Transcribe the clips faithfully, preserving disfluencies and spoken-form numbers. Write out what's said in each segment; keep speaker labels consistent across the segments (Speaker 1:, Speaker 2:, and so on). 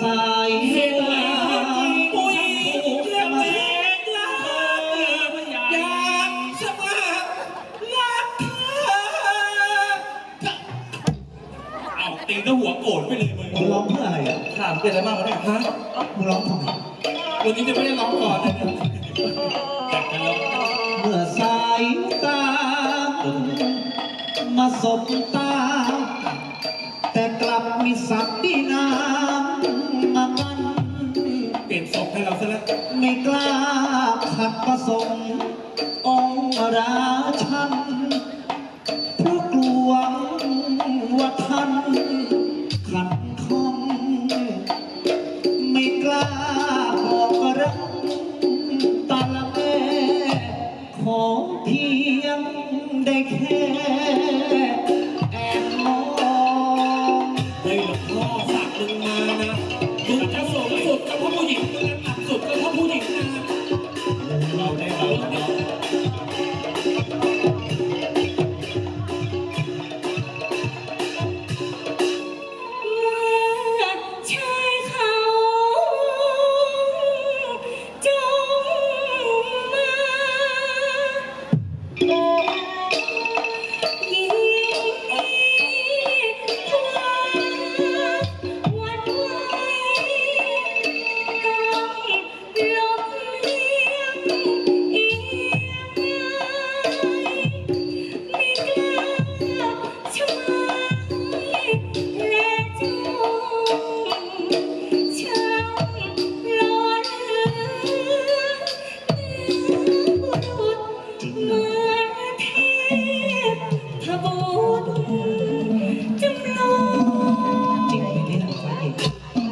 Speaker 1: าย
Speaker 2: เห็นไหมปุยเรียกเล็กละอยากสมัครรักเธอเอาตีก็หัวโกรธไปเลยมึง
Speaker 1: มึงร้องเพื่ออะไรอ่ะ
Speaker 2: ถามเป็นอะไรบ้างวะเนี่ยฮะ
Speaker 1: มึงร้องทำไม
Speaker 2: วันนี้จะไม่ได้ร้องก่อนเลยอยากจะร้อง
Speaker 1: เมื่อสายตามาสบตาแต่กลับมีสัตว์ที่น้ำมามัน
Speaker 2: เปลี่ยนศพให้เราซะแล้ว
Speaker 1: ไม่กล้าขัดประสงค์องค์ราชันเพราะกลัวว่าท่านขัดข้องไม่กล้าบอกรักตาละแม่ขอเพียงได้แค่แอบมอง
Speaker 2: เฮ้ยหลวงพ่อฝากมึงมานะมึงจะสูงสุดก็เพราะผู้หญิงมึงจะต่ำสุดก็เพราะผู้หญิงนะเราได้เราได้
Speaker 3: ชายเขาจงมายิงทวารวันไหวต้องลมเลียงเอียงไม่กล้าช่วยและจูงช่างหล่อเหลือบุรุษเหมือนเทพบุตรจำลอง
Speaker 1: จริงไหมเนี่ยสาเหตุ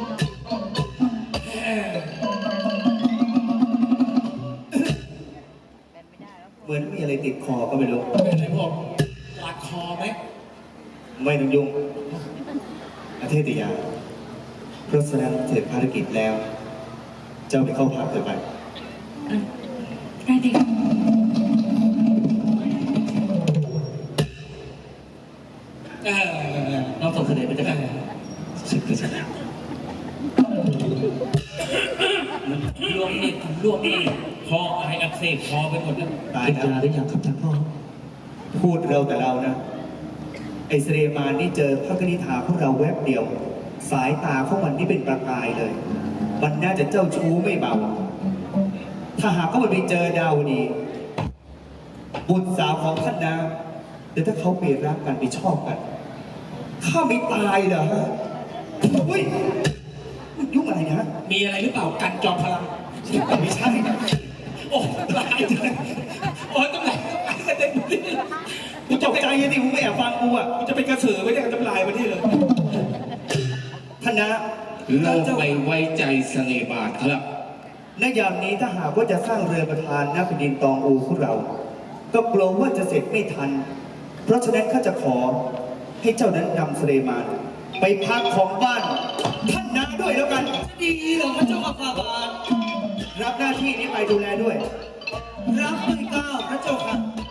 Speaker 1: เหมือนมีอะไรติดคอก็ไม่รู้
Speaker 2: เป็นไรพวกหลักคอไหม
Speaker 1: ไม่ต้องยุ่งอาเทศยาเพราะแสดงเสร็จภารกิจแล้ว เจ้าไปเข้าพักเถอะไป
Speaker 3: ได้ดิ
Speaker 2: เออ
Speaker 1: น้องส่งเสด็จไปจะกันสึกก็จะแล้ว
Speaker 2: รวมนี่รวมนี่คอไออักเสบคอไปหมดแล้ว
Speaker 1: ตายแล้วหรือยังครับท่านพ่อ พูดเราแต่เรานะ ไอเสเรมานนี่เจอพระกนิษฐาของเราแวบเดียว สายตาของมันนี่เป็นประกายเลย มันน่าจะเจ้าชู้ไม่เบา ถ้าหากว่ามันไปเจอดาวดี บุตรสาวของท่านนะแต่ถ้าเขาไปรักกันไปชอบกัน ข้าไม่ตายเหรอฮะเฮ้ยยุ่งอะไรนะ
Speaker 2: มีอะไรหรือเปล่ากันจอมพลัง
Speaker 1: ไม่ใช่
Speaker 2: โอ้ตายเลยโอ้ยต้องไหลต้องไหลกระเด็นไปเลย
Speaker 1: กูตกใจยังดิมึงไม่แอบฟังกูอ่ะ
Speaker 2: กูจะเป็นกระสือไม่ได้กระจำลายมาที่เลย
Speaker 1: ท่านนะ
Speaker 4: โลกไม่ไว้ใจสเลบาทครับ
Speaker 1: ในยามนี้ถ้าหากว่าจะสร้างเรือประธานณแผ่นดินตองอูของเรา ก็กลัวว่าจะเสร็จไม่ทัน เพราะฉะนั้นข้าจะขอให้เจ้านั้นนำเสเลมานไปพักของบ้าน ท่านนาด้วยแล้วกัน
Speaker 2: ดีเหรอพระเจ้าอาฟาบาท
Speaker 1: รับหน้าที่นี้ไปดูแลด้วย
Speaker 2: รับด้วยเกล้าพระเจ้าค่ะ